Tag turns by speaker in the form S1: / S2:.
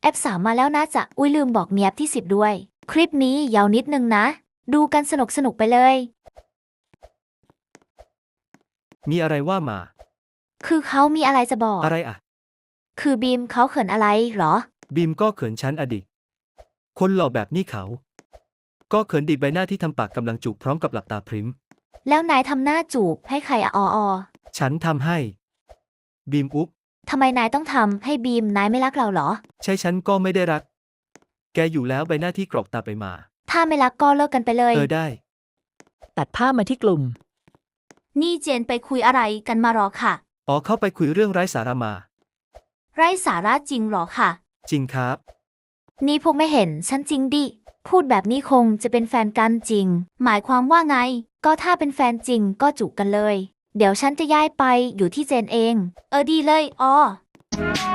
S1: ป3มาแล้วนะจ๊ะอุ้ยลืมบอกมีแอปที่10ด้วยคลิปนี้ยาวนิดนึงนะดูกันสนุกไปเลย
S2: มีอะไรว่ามา
S1: คือเขามีอะไรจะบอก
S2: อะไรอ่ะ
S1: คือบีมเขาเขินอะไรเหรอ
S2: บีมก็เขินฉันอดิคนหล่อแบบนี้เขา ก็เขินดิใบหน้าที่ทำปากกำลังจูบพร้อมกับหลับตาพริ้ม
S1: แล้วนายทำหน้าจูบให้ใครอะ
S2: ฉันทำให้ บีมอุ๊บ
S1: ทำไมนายต้องทำให้บีมนายไม่รักเราเหรอ
S2: ใช่ฉันก็ไม่ได้รัก แกอยู่แล้วใบหน้าที่กรอกตาไปมา
S1: ถ้าไม่รักก็เลิกกันไปเลย
S2: ได้
S3: ตัดภาพมาที่กลุ่ม
S1: นี่เจนไปคุยอะไรกันมาหรอค่ะ
S2: อ๋อเข้าไปคุยเรื่องไร้สาระมา
S1: ไร้สาระจริงหรอค่ะ
S2: จริงครับ
S1: นี่พวกไม่เห็นฉันจริงดิพูดแบบนี้คงจะเป็นแฟนกันจริงหมายความว่าไงก็ถ้าเป็นแฟนจริงก็จูบกันเลยเดี๋ยวฉันจะย้ายไปอยู่ที่เจนเองดีเลย